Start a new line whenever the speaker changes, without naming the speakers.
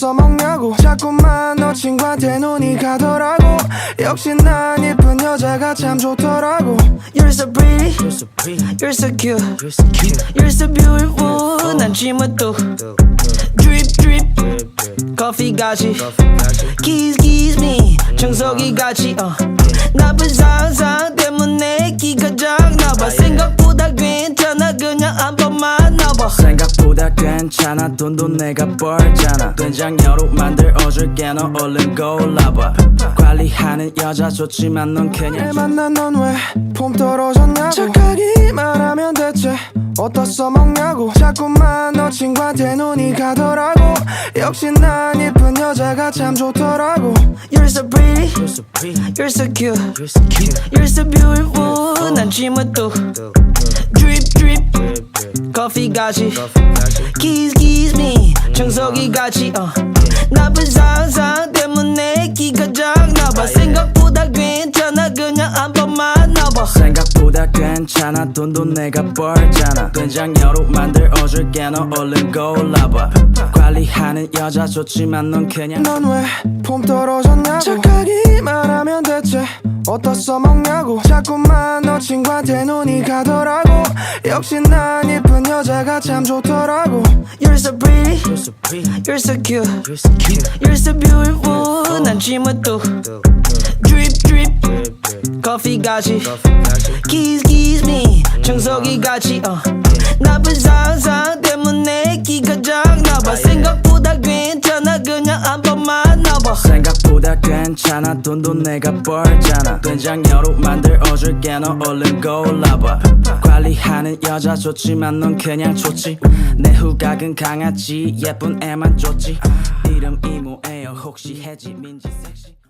써먹냐고 자꾸만 너 친구한테 눈이 가더라고. 역시 난 예쁜 여자가 참 좋더라고.
You're so pretty, you're so cute, you're so beautiful. 난 쥐맛도 drip drip 커피 같이 kiss kiss me 청소기 같이 나쁜 상상 때문에 기가 작나봐. 생각보다 괜찮아 그냥 한 번만 나봐.
생각보다 괜찮아 돈도 내가 벌잖아. 된장녀로 만들어줄게 너 얼른 골라봐. 관리하는 여자 좋지만 넌 그냥
날 만난 넌 왜 폼 떨어졌냐고. 착하기만 하면 대체 어디다 써먹냐고. 자꾸만 너 친구한테 눈이 가더라고. 역시 난 예쁜 여자가 참 좋더라고.
You're so pretty, you're so cute, you're so beautiful. 난 쥐맛도 drip drip 커피 같이 kiss kiss me 청소기 같이 나쁜 상상 때문에 기가 작나봐. 생각보다 괜찮아 그냥 한 번만 나봐.
생각보다 괜찮아 돈도 내가 벌잖아. 된장녀로 만들어줄게 너 얼른 골라봐. 관리하는 여자 좋지만 넌 그냥
넌 왜 폼 떨어졌냐고. 착하기만 하면 대체 어디다 써먹냐고. 자꾸만 너 친구한테 눈이 가더라고. 역시 난 예쁜 여자가 참 좋더라고.
You're so pretty, you're so cute, you're so beautiful. 난 쥐맛도 drip drip 커피 같이 kiss kiss me 청소기 같이 나쁜 상상 때문에 기가 작나봐. 생각보다 괜찮아 그냥 한 번만 나봐.
생각보다 괜찮아 돈도 내가 벌잖아. 된장녀로 만들어줄게 너 얼른 골라봐. 관리하는 여자 좋지만 넌 그냥 좋지. 내 후각은 강아지 예쁜 애만 좋지. 이름 이모예요 혹시 혜지 민지 섹시